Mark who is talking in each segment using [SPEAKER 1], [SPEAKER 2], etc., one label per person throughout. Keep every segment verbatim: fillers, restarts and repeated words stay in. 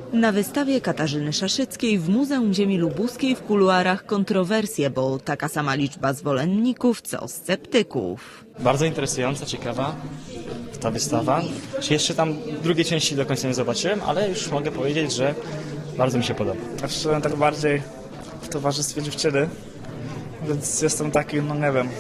[SPEAKER 1] Na wystawie Katarzyny Szaszyckiej w Muzeum Ziemi Lubuskiej w kuluarach kontrowersje, bo taka sama liczba zwolenników co sceptyków.
[SPEAKER 2] Bardzo interesująca, ciekawa ta wystawa. Jeszcze tam drugiej części do końca nie zobaczyłem, ale już mogę powiedzieć, że bardzo mi się podoba.
[SPEAKER 3] Ja przyszedłem tak bardziej w towarzystwie dziewczyny, więc jestem taki, no nie wiem,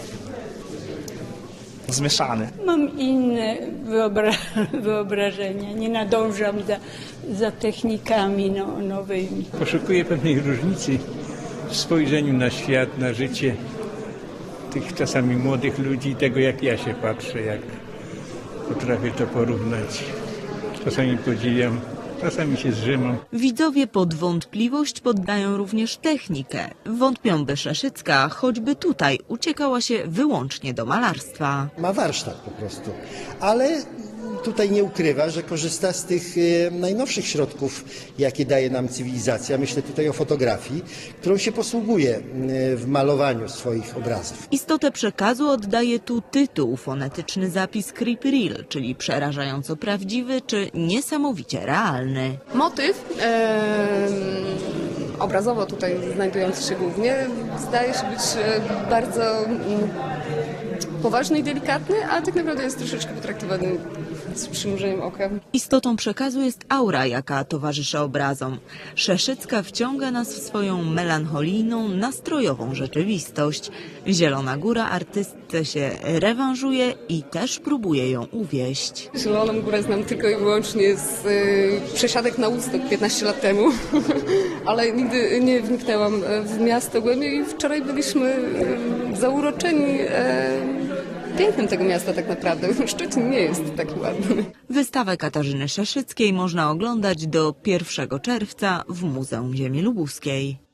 [SPEAKER 3] zmieszany.
[SPEAKER 4] Mam inne wyobra wyobrażenia, nie nadążam za, za technikami no, nowymi.
[SPEAKER 5] Poszukuję pewnej różnicy w spojrzeniu na świat, na życie tych czasami młodych ludzi, tego jak ja się patrzę, jak potrafię to porównać. Czasami podziwiam, czasami się zrzymam.
[SPEAKER 1] Widzowie pod wątpliwość poddają również technikę. Wątpią, by Szaszycka choćby tutaj uciekała się wyłącznie do malarstwa.
[SPEAKER 6] Ma warsztat po prostu, ale tutaj nie ukrywa, że korzysta z tych e, najnowszych środków, jakie daje nam cywilizacja. Myślę tutaj o fotografii, którą się posługuje e, w malowaniu swoich obrazów.
[SPEAKER 1] Istotę przekazu oddaje tu tytuł, fonetyczny zapis creepy real, czyli przerażająco prawdziwy czy niesamowicie realny.
[SPEAKER 7] Motyw e, obrazowo tutaj znajdujący się głównie zdaje się być e, bardzo mm, poważny i delikatny, a tak naprawdę jest troszeczkę potraktowany z przymrużeniem oka.
[SPEAKER 1] Istotą przekazu jest aura, jaka towarzyszy obrazom. Szaszycka wciąga nas w swoją melancholijną, nastrojową rzeczywistość. Zielona Góra artystce się rewanżuje i też próbuje ją uwieść.
[SPEAKER 7] Zieloną Górę znam tylko i wyłącznie z y, przesiadek na Woodstock piętnaście lat temu, ale nigdy nie wniknęłam w miasto głębiej i wczoraj byliśmy y, zauroczeni y, pięknem tego miasta tak naprawdę. Szczecin nie jest taki ładny.
[SPEAKER 1] Wystawę Katarzyny Szaszyckiej można oglądać do pierwszego czerwca w Muzeum Ziemi Lubuskiej.